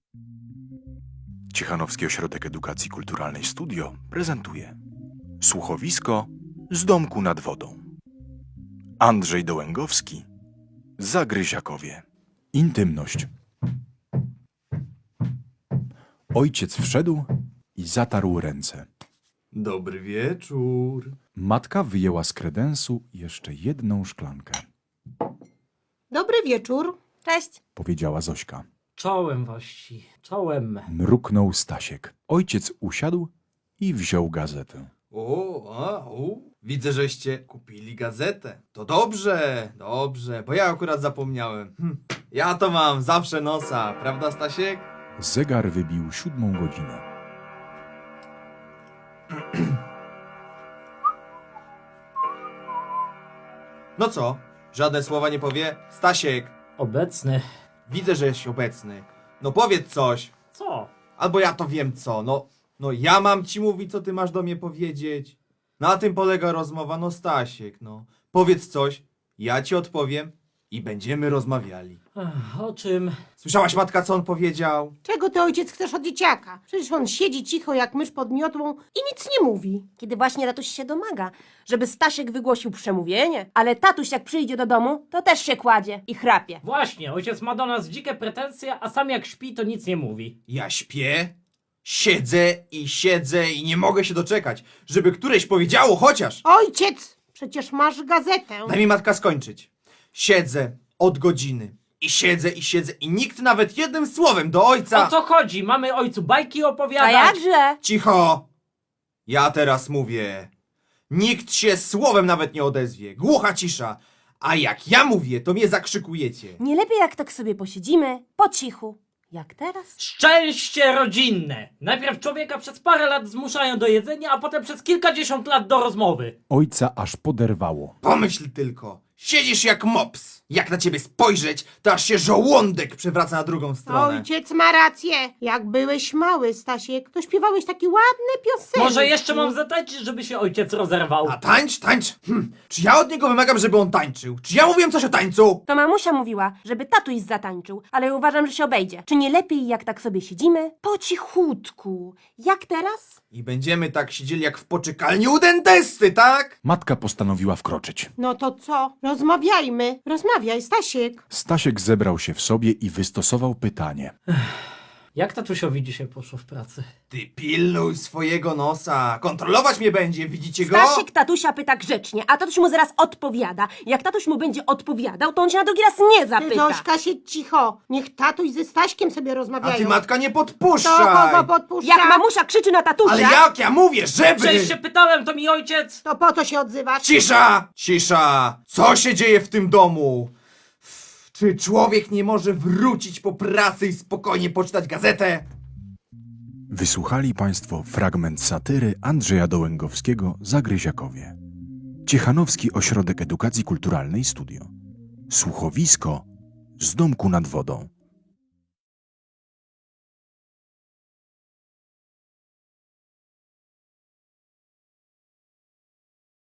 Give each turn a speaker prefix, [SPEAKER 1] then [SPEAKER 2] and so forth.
[SPEAKER 1] Ciechanowski Ośrodek Edukacji Kulturalnej Studio prezentuje słuchowisko z domku nad wodą. Andrzej Dołęgowski, Zagryziakowie. Intymność. Ojciec wszedł i zatarł ręce.
[SPEAKER 2] Dobry wieczór.
[SPEAKER 1] Matka wyjęła z kredensu jeszcze jedną szklankę.
[SPEAKER 3] Dobry wieczór.
[SPEAKER 4] Cześć.
[SPEAKER 1] Powiedziała Zośka.
[SPEAKER 5] Czołem właści, czołem.
[SPEAKER 1] Mruknął Stasiek. Ojciec usiadł i wziął gazetę.
[SPEAKER 2] Widzę, żeście kupili gazetę. To dobrze, bo ja akurat zapomniałem. Ja to mam zawsze nosa, prawda, Stasiek?
[SPEAKER 1] Zegar wybił 7 godzinę.
[SPEAKER 2] No co? Żadne słowa nie powie? Stasiek,
[SPEAKER 5] Obecny.
[SPEAKER 2] widzę, że jesteś obecny. No powiedz coś.
[SPEAKER 5] Co?
[SPEAKER 2] Albo ja to wiem co. No ja mam ci mówić, co ty masz do mnie powiedzieć. Na tym polega rozmowa, no Stasiek, no. Powiedz coś, ja ci odpowiem i będziemy rozmawiali.
[SPEAKER 5] O czym?
[SPEAKER 2] Słyszałaś, matka, co on powiedział?
[SPEAKER 3] Czego ty, ojciec, chcesz od dzieciaka? Przecież on siedzi cicho jak mysz pod miotłą i nic nie mówi.
[SPEAKER 4] Kiedy właśnie tatuś się domaga, żeby Stasiek wygłosił przemówienie, ale tatuś jak przyjdzie do domu, to też się kładzie i chrapie.
[SPEAKER 5] Właśnie, ojciec ma do nas dzikie pretensje, a sam jak śpi, to nic nie mówi.
[SPEAKER 2] Ja śpię, siedzę i nie mogę się doczekać, żeby któreś powiedziało chociaż.
[SPEAKER 3] Ojciec, przecież masz gazetę.
[SPEAKER 2] Daj mi, matka, skończyć. Siedzę od godziny i siedzę i nikt nawet jednym słowem do ojca...
[SPEAKER 5] O co chodzi? Mamy ojcu bajki
[SPEAKER 4] A
[SPEAKER 5] opowiadać?
[SPEAKER 4] jakże?
[SPEAKER 2] Cicho! Ja teraz mówię. Nikt się słowem nawet nie odezwie. Głucha cisza. A jak ja mówię, to mnie zakrzykujecie.
[SPEAKER 4] Nie lepiej jak tak sobie posiedzimy, po cichu. Jak teraz?
[SPEAKER 5] Szczęście rodzinne! Najpierw człowieka przez parę lat zmuszają do jedzenia, a potem przez kilkadziesiąt lat do rozmowy.
[SPEAKER 1] Ojca aż poderwało.
[SPEAKER 2] Pomyśl tylko. Siedzisz jak mops. Jak na ciebie spojrzeć, to aż się żołądek przewraca na drugą stronę.
[SPEAKER 3] Ojciec ma rację. Jak byłeś mały, Stasiek, to śpiewałeś takie ładne piosenki.
[SPEAKER 5] Może jeszcze mam zatańczyć, żeby się ojciec rozerwał?
[SPEAKER 2] A tańcz? Czy ja od niego wymagam, żeby on tańczył? Czy ja mówiłem coś o tańcu?
[SPEAKER 4] To mamusia mówiła, żeby tatuś zatańczył, ale ja uważam, że się obejdzie. Czy nie lepiej jak tak sobie siedzimy? Po cichutku. Jak teraz?
[SPEAKER 2] I będziemy tak siedzieli jak w poczekalni u dentysty, tak?
[SPEAKER 1] Matka postanowiła wkroczyć.
[SPEAKER 3] No to co? Rozmawiajmy. Rozmawiaj, Stasiek.
[SPEAKER 1] Stasiek zebrał się w sobie i wystosował pytanie.
[SPEAKER 5] Jak tatusiowi dzisiaj poszło w pracy?
[SPEAKER 2] Ty pilnuj swojego nosa. Kontrolować mnie będzie, widzicie go?
[SPEAKER 4] Stasiek tatusia pyta grzecznie, a tatuś mu zaraz odpowiada. Jak tatuś mu będzie odpowiadał, to on się na drugi raz nie
[SPEAKER 3] Ty,
[SPEAKER 4] zapyta.
[SPEAKER 3] Zośka, siedź cicho. Niech tatuś ze Staśkiem sobie
[SPEAKER 2] A
[SPEAKER 3] rozmawiają.
[SPEAKER 2] ty, matka, nie
[SPEAKER 3] To
[SPEAKER 2] podpuszczaj.
[SPEAKER 3] kogo podpuszcza?
[SPEAKER 4] Jak mamusia krzyczy na tatusia...
[SPEAKER 2] Ale jak ja mówię, żeby...
[SPEAKER 5] Przecież się pytałem, to mi ojciec...
[SPEAKER 3] To po co się odzywasz?
[SPEAKER 2] Cisza! Cisza! Co się dzieje w tym domu? Czy człowiek nie może wrócić po pracy i spokojnie poczytać gazetę?
[SPEAKER 1] Wysłuchali Państwo fragment satyry Andrzeja Dołęgowskiego Zagryziakowie. Ciechanowski Ośrodek Edukacji Kulturalnej Studio. Słuchowisko z domku nad wodą.